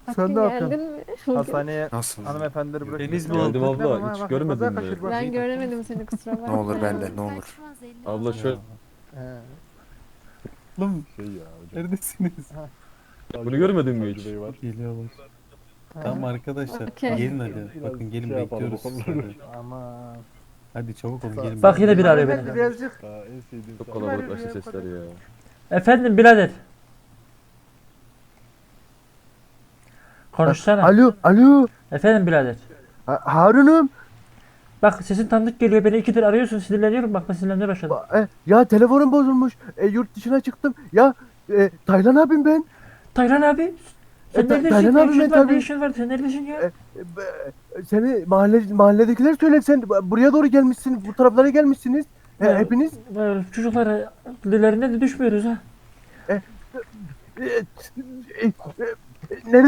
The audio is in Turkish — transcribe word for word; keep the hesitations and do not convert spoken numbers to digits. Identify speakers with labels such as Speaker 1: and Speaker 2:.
Speaker 1: Sen
Speaker 2: Hakkı
Speaker 1: ne yapıyorsun?
Speaker 2: geldin mi? Bugün.
Speaker 1: Hastaneye
Speaker 3: Nasıl?
Speaker 1: hanımefendileri bırakın.
Speaker 4: Deniz mi
Speaker 5: Geldim
Speaker 4: oldu?
Speaker 5: abla, hiç görmedin mi?
Speaker 2: Ben göremedim seni, kusura bakma
Speaker 3: Ne olur
Speaker 2: ya.
Speaker 3: bende ne olur.
Speaker 5: Abla şöyle,
Speaker 4: Oğlum
Speaker 6: Şey ya hocam.
Speaker 4: neredesiniz?
Speaker 5: bunu görmedin mi hiç?
Speaker 6: Bey var.
Speaker 4: Geliyorlar. Tamam arkadaşlar
Speaker 2: Okey.
Speaker 4: gelin hadi.
Speaker 6: Biraz
Speaker 4: Bakın gelin
Speaker 6: şey yapalım,
Speaker 4: bekliyoruz sizi.
Speaker 6: bakalım.
Speaker 4: Hadi.
Speaker 1: Aman.
Speaker 4: Hadi çabuk olun gelin.
Speaker 7: Bak yine biri arıyor
Speaker 1: Hanımefendi
Speaker 7: beni.
Speaker 1: birazcık.
Speaker 6: Daha en sevdiğim
Speaker 5: Çok
Speaker 6: saat.
Speaker 5: kalabalıklaştı sesler ya.
Speaker 7: Efendim birader. Konuşsana.
Speaker 1: Alo, alo.
Speaker 7: Efendim birader.
Speaker 1: Ha- Harun'um.
Speaker 7: Bak sesin tanıdık geliyor. Beni ikidir arıyorsun. Sinirleniyorum. Bak ben sinirlenmeye başladım.
Speaker 1: Ba- e, ya telefonum bozulmuş. E, yurt dışına çıktım. Ya e, Taylan abim ben.
Speaker 7: Taylan abi. Sen
Speaker 1: E, Ta-
Speaker 7: neredesin?
Speaker 1: Taylan
Speaker 7: Ne
Speaker 1: abi
Speaker 7: işin
Speaker 1: ben
Speaker 7: var? Ne
Speaker 1: tabii.
Speaker 7: işin var? Sen neredesin ya?
Speaker 1: E, e, be- Seni mahalle mahalledekiler söyledi. Sen buraya doğru gelmişsin. Bu taraflara gelmişsiniz. E,
Speaker 7: Ya,
Speaker 1: hepiniz.
Speaker 7: Böyle çocuklara dillerine de düşmüyoruz ha.
Speaker 1: E, e, e, e, Nerede?